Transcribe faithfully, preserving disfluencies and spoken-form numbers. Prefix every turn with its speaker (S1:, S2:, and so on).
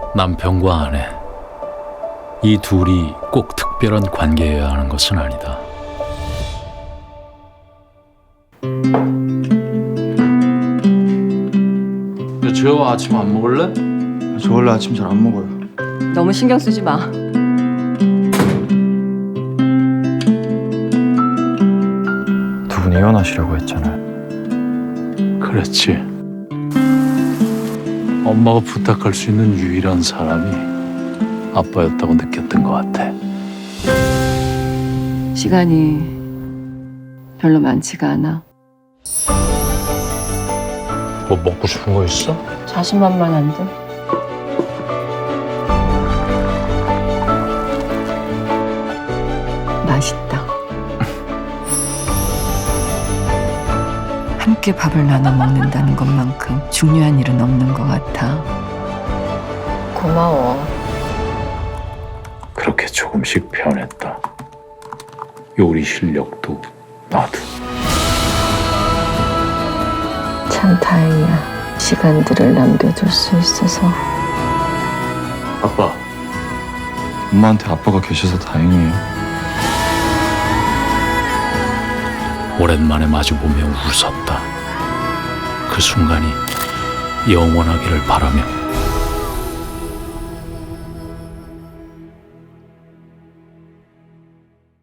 S1: 남편과 아내, 이 둘이 꼭 특별한 관계여야 하는 것은 아니다. 야, 재호아 아침 안 먹을래?
S2: 저 원래 아침 잘 안 먹어요.
S3: 너무 신경 쓰지 마.
S2: 두 분이 이혼하시려고 했잖아요.
S1: 그렇지. 엄마가 부탁할 수 있는 유일한 사람이 아빠였다고 느꼈던 것 같아.
S3: 시간이 별로 많지가 않아.
S1: 뭐 먹고 싶은 거 있어?
S3: 자신만만한데? 맛있다. 함께 밥을 나눠 먹는다는 것만큼 중요한 일은 없는 것 같아. 고마워.
S1: 그렇게 조금씩 변했다. 요리 실력도 나도.
S3: 참 다행이야. 시간들을 남겨줄 수 있어서.
S1: 아빠.
S2: 엄마한테 아빠가 계셔서 다행이에요.
S1: 오랜만에 마주보며 웃었다. 그 순간이 영원하기를 바라며